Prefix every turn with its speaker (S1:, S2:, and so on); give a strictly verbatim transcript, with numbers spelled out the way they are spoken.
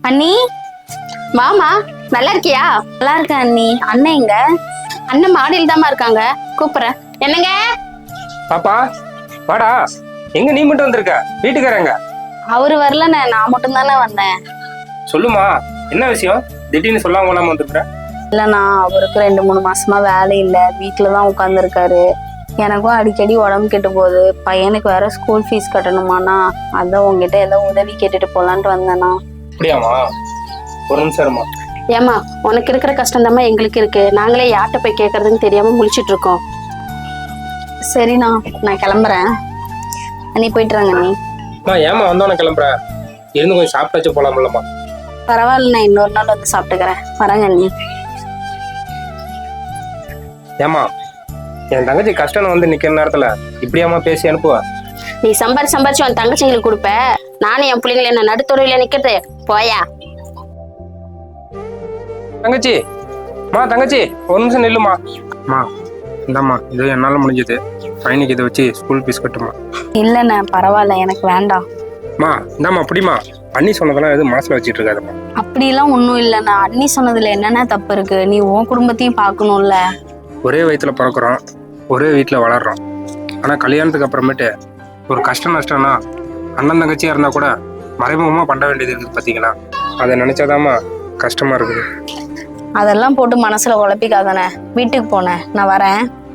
S1: அண்ணி
S2: வாமா, நல்லா இருக்கியா?
S1: நல்லா இருக்கேன் அண்ணி. அண்ணன் எங்க?
S2: அண்ணன் மாடியில் தாமா இருக்காங்க, கூப்பிடுறேன். என்னங்க?
S3: பாப்பா வாடா. எங்க நீ மட்டும் வந்திருக்க? வீட்டுக்காரங்க
S1: அவரு வரலண்ணே, நான் மட்டும் தானே வந்தேன்.
S3: சொல்லுமா, என்ன விஷயம்? திடீர்னு சொல்லாம கொள்ளாம வந்துருக்க?
S1: இல்லண்ணா, அவருக்கு ரெண்டு மூணு மாசமா வேலை இல்லை, வீட்டுலதான் உட்காந்துருக்காரு. எனக்கும் அடிக்கடி உடம்பு கெட்டு போகுது. பையனுக்கு வேற ஸ்கூல் ஃபீஸ் கட்டணுமாண்ணா. அதான் உங்ககிட்ட ஏதோ உதவி கேட்டுட்டு போலான்ட்டு வந்தேண்ணா.
S3: அப்படியாமா? ஒரு நிமிஷம் இருமா.
S2: ஏமா, உனக்கு இருக்கிற கஷ்டம் தாம்மா எங்களுக்கு இருக்கு. நாங்களே யார்கிட்ட போய் கேட்கறதுன்னு தெரியாம முழிச்சிட்டு இருக்கோம்.
S1: சரிண்ணா, நான் கிளம்புறேன். அண்ணி போயிட்டுறாங்க அண்ணி.
S3: நான் ஏமா வந்தோன்னு கிளம்புறேன்? இருந்து கொஞ்சம் சாப்பிட்டாச்சு போலாம்லம்மா.
S1: பரவாயில்லண்ணா, இன்னொரு நாள் வந்து சாப்பிட்டுக்கிறேன். வரேங்க அண்ணி.
S3: ஏமா, என் தங்கச்சி கஷ்டம் வந்து நிக்கிற நேரத்துல இப்படியாமா பேசி அனுப்புவா?
S2: நீ சம்பாரி சம்பாரிச்சு உன் தங்கச்சிங்களுக்கு கொடுப்ப. நானும் என் பிள்ளைங்களை என்ன நடுத்தொடவில நிக்கிறது? போயா
S3: தங்கச்சி. மா தங்கச்சி, ஒரு நிமிஷம் நில்லுமா. மா இந்தாம்மா, இது என்னால முடிஞ்சது. பையனுக்கு இதை வச்சு ஸ்கூல் ஃபீஸ் கட்டுமா.
S1: இல்லைண்ணே, பரவாயில்ல, எனக்கு வேண்டாம்.
S3: மா இந்தாம்மா, அப்படிமா. அண்ணி சொன்னதெல்லாம் எதுவும் மனசுல வச்சுட்டு இருக்காதுமா.
S1: அப்படிலாம் ஒன்றும் இல்லைண்ணா. அண்ணி சொன்னதுல என்னென்ன தப்பு இருக்கு? நீ உன் குடும்பத்தையும் பார்க்கணும்ல.
S3: ஒரே வயிற்றுல பிறக்கிறோம், ஒரே வீட்டில் வளர்றோம். ஆனால் கல்யாணத்துக்கு அப்புறமேட்டு ஒரு கஷ்டம் நஷ்டம்னா அண்ணன் தங்கச்சியாக இருந்தால் கூட மறைமுகமாக பண்ண வேண்டியது இருக்குது பார்த்தீங்களா? அதை நினச்சாதாம்மா கஷ்டமாக இருக்குது.
S1: அதெல்லாம் போட்டு மனசுல குழப்பிக்காதானே. வீட்டுக்கு போனேன், நான் வரேன்.